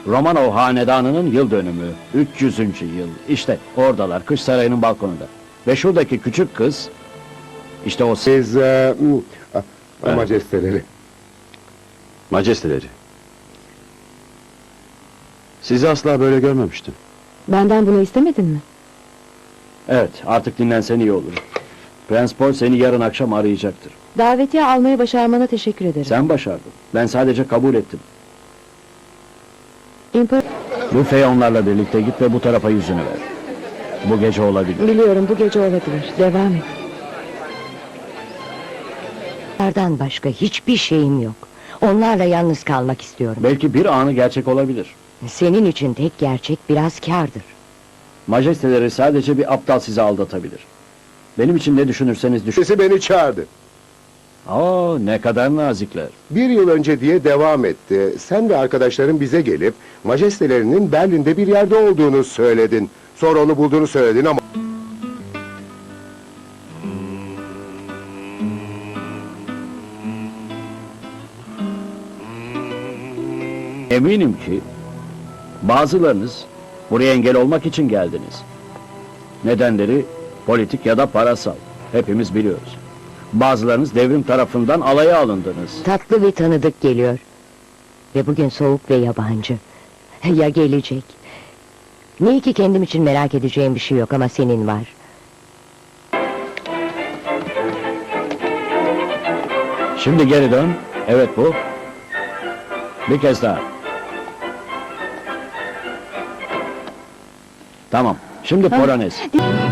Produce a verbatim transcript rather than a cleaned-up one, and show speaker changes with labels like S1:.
S1: Romanov hanedanının yıl dönümü, üç yüzüncü yıl. İşte oradalar, kış sarayının balkonunda. Ve şuradaki küçük kız, işte o...
S2: Siz, e, m, a-
S3: Evet.
S2: majesteleri.
S3: Majesteleri. Sizi asla böyle görmemiştim.
S4: Benden bunu istemedin mi?
S1: Evet, artık dinlensen iyi olur. Prens Paul seni yarın akşam arayacaktır.
S4: Davetiye almayı başarmana teşekkür ederim.
S1: Sen başardın. Ben sadece kabul ettim.
S4: İmpar-
S1: Bu Feyonlarla birlikte git ve bu tarafa yüzünü ver. Bu gece olabilir.
S4: Biliyorum, bu gece olabilir. Devam et.
S5: Onlardan başka hiçbir şeyim yok. Onlarla yalnız kalmak istiyorum.
S1: Belki bir anı gerçek olabilir.
S5: Senin için tek gerçek biraz kârdır.
S1: Majesteleri sadece bir aptal sizi aldatabilir. Benim için ne düşünürseniz düşün.
S2: Sesi beni çağırdı.
S1: Aa, ne kadar nazikler.
S2: Bir yıl önce diye devam etti. Sen ve arkadaşların bize gelip majestelerinin Berlin'de bir yerde olduğunu söyledin. Sonra onu bulduğunu söyledin ama...
S1: Eminim ki bazılarınız buraya engel olmak için geldiniz. Nedenleri politik ya da parasal. Hepimiz biliyoruz. Bazılarınız devrim tarafından alaya alındınız.
S5: Tatlı bir tanıdık geliyor. Ve bugün soğuk ve yabancı. Ya gelecek? Ne ki kendim için merak edeceğim bir şey yok ama senin var.
S1: Şimdi geri dön. Evet bu. Bir kez daha. Tamam. Şimdi Polonez.